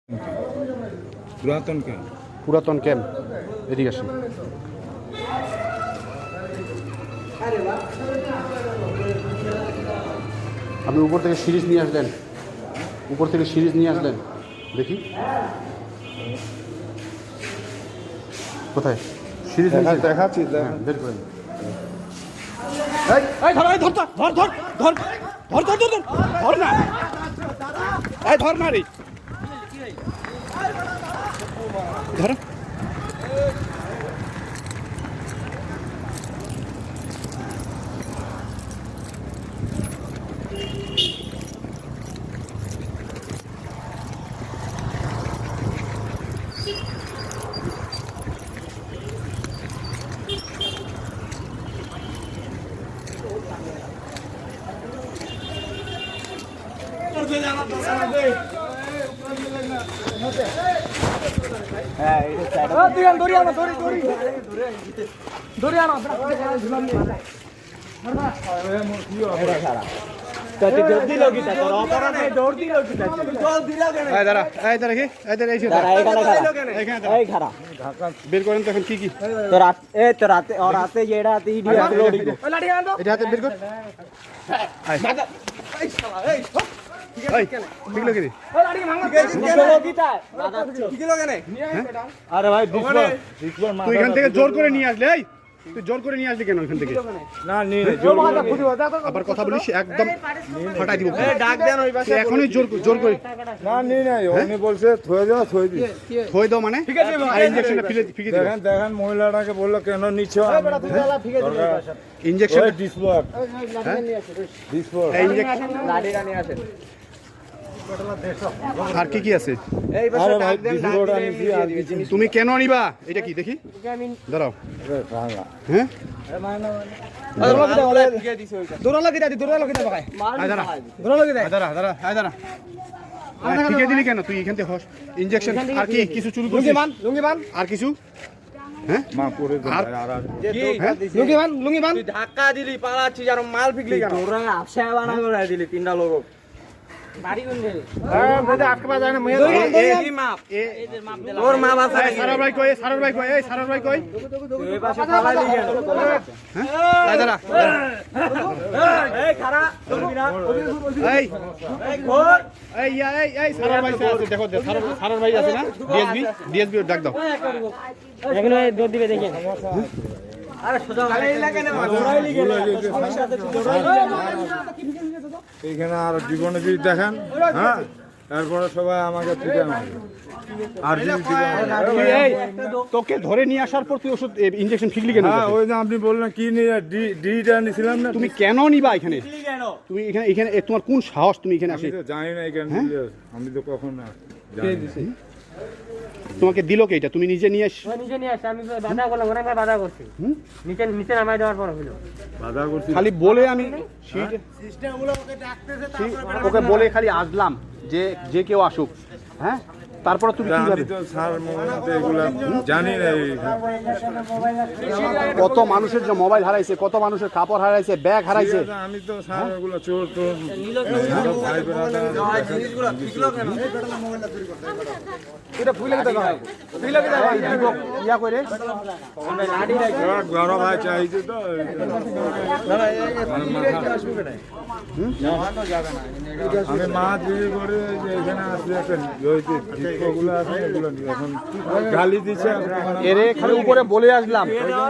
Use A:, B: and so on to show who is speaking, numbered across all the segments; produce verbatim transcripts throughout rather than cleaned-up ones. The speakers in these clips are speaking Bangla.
A: পুরাতন ক্যাম্প
B: পুরাতন ক্যাম্প এদিকে আসেন। আপনি উপর থেকে সিরিজ নিয়ে আসলেন, উপর থেকে সিরিজ নিয়ে আসলেন, দেখি কোথায় সিরিজ
A: দেখাচ্ছি।
B: বের করেন।
C: এই ধর এই ধর ধর ধর ধর ধর ধর ধর ধর ধর না এই ধর না রে ধর বের করেন তখন কি কি এটা হাতে বের কর।
A: আরে ভাই
B: তুই এখান থেকে জোর করে নিয়ে আসলে, এই তুই জোর করে নিয়ে আসলি কেন এখান থেকে?
A: না নিয়ে
B: আবার কথা বলিস একদম ফাটাই দিব।
A: ডাক দেন ওই পাশে
B: এখনই জোর জোর করে
A: না নিয়ে নাই উনি বলছে থয়ে যাও থয়ে দি
B: থই দাও মানে আর ইনজেকশনটা ফিরে ফিকে দিও।
A: দেখেন দেখেন মহিলাটাকে বললো কেন নিচ্ছ
B: ইনজেকশন
A: ডিসপ্লোর ডিসপ্লোর
B: এই ইনজেকশন আর কি কি আছে?
A: আরে ভাই ডিসপ্লোর আনিছি আর কিছু
B: তুমি কেন নিবা? এটা কি দেখি দাঁড়াও। হ্যাঁ দাঁড়া দাঁড়া আয় দাঁড়া ফিকে দিলি কেন তুই? এখান থেকে হস ইনজেকশন আর কি কিছু চুরি করছিস? আর কিছু? হ্যাঁ
A: মা করে দে আর
C: ধাক্কা দিলি পালাচ্ছিস আর মাল ফিকলি কেন? তোরা আশা বানা করে দিলি তিনটা লোক বাড়ি কোন রে? হ্যাঁ বেদে আটকে পা যায় না মেয়ে এই মাপ এদের মাপ দিলা ওর মা বাসা
B: সারার ভাই কই? সারার ভাই কই? এই সারার ভাই কই?
C: এই পাশে পালালি কেন?
B: হ্যাঁ আয় দাঁড়া
C: এই খারা ধরবি না
B: এই
C: এই ঘর
B: এই ইয়া, এই এই সারার ভাই আছে দেখো, সারার সারার ভাই আছে না? ডিএসবি ডিএসবি ডাক দাও।
C: এগুলো দৌড় দিবে দেখেন। আরে সোজা গালি লাগে না দৌড়াইলি কেন?
A: এইখানে আর জীবনে যদি দেখেন হ্যাঁ তারপরে সবাই আমাকে ছুটে মারবে আর যদি
B: তুই এই তোকে ধরে নিয়ে আসার পর তুই ওষুধ ইনজেকশন ফিকলি কেন?
A: হ্যাঁ ওই যে আপনি বললেন কি নিয়ে ডি ডিটা নিছিলাম না
B: তুমি কেন নিবা এখানে?
C: কেন?
B: তুমি এখানে এখানে এ, তোমার কোন সাহস তুমি এখানে আসি?
A: আমি তো জানি না এখানে দিলে, আমি তো কখন না জানি না।
B: তোমাকে দিল কে এটা? তুমি নিজে নিয়ে আস।
C: ও নিজে নিয়ে আসছে, আমি বাধা করলাম, ওরা বাধা করছি। নিচে নিচে নামাই দেওয়ার পর হলো
A: বাধা করছি
B: খালি বলে আমি সিস্টেমগুলো ওকে ডাকতেছে, তারপরে ওকে বলে খালি আসলাম যে যে কেউ আসুক। হ্যাঁ তারপরে তুমি কি
A: আমি
B: ভাবে?
A: তো স্যার মোবাইলতে এগুলা জানি না এইখানে।
B: কত মানুষের যে মোবাইল হারাইছে, কত মানুষের কাপড় হারাইছে, ব্যাগ হারাইছে।
A: ঠিক আছে, আমি তো স্যার এগুলো চোর তো ভাই বেড়াতে জিনিসগুলো ঠিকলো কেন
B: এটা ফুলে কি দাও? ফুলে কি দাও? ইয়া করে
A: বড় ভাই চাইছে তো আমি মাছ বিক্রি করে যে এখানে আসলে একটা ওইগুলো আছে এগুলো নিয়ে এখন গালি দিচ্ছে
B: এরে খালি উপরে বলে আসলাম।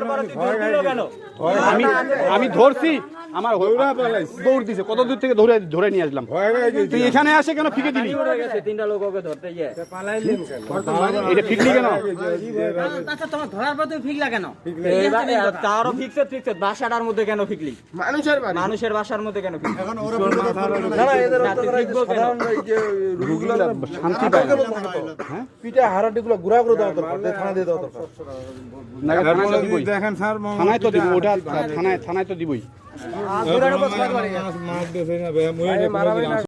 B: আমি আমি ধরছি, আমার দৌড় দিছে, কত দূর থেকে ধরে ধরে নিয়ে আসলাম। তুই এখানে আসে কেন ফিকে দিলি?
C: তিনটা লোক ওকে ধরতে গিয়ে
B: এটা ফিকলি কেন?
C: আচ্ছা তোমার ধরার পর তুমি ফিকলা কেন? তারও ফিক্সে ফিক্সে বাসাটার মধ্যে কেন ফিকলি? মানুষের বাড়ি মানুষের বাসার মধ্যে কেন ফিকলি? এখন ওরা
B: শান্তি পায় হ্যাঁ
A: পিঠে হারাটিগুলো গুড়া করে দেওয়া দরকার, থানা দিয়ে দেওয়া দরকার।
B: দেখেন স্যার থানায় তো দিব, ওটা থানায় থানায় তো দিবই।
A: মাছ দেবে না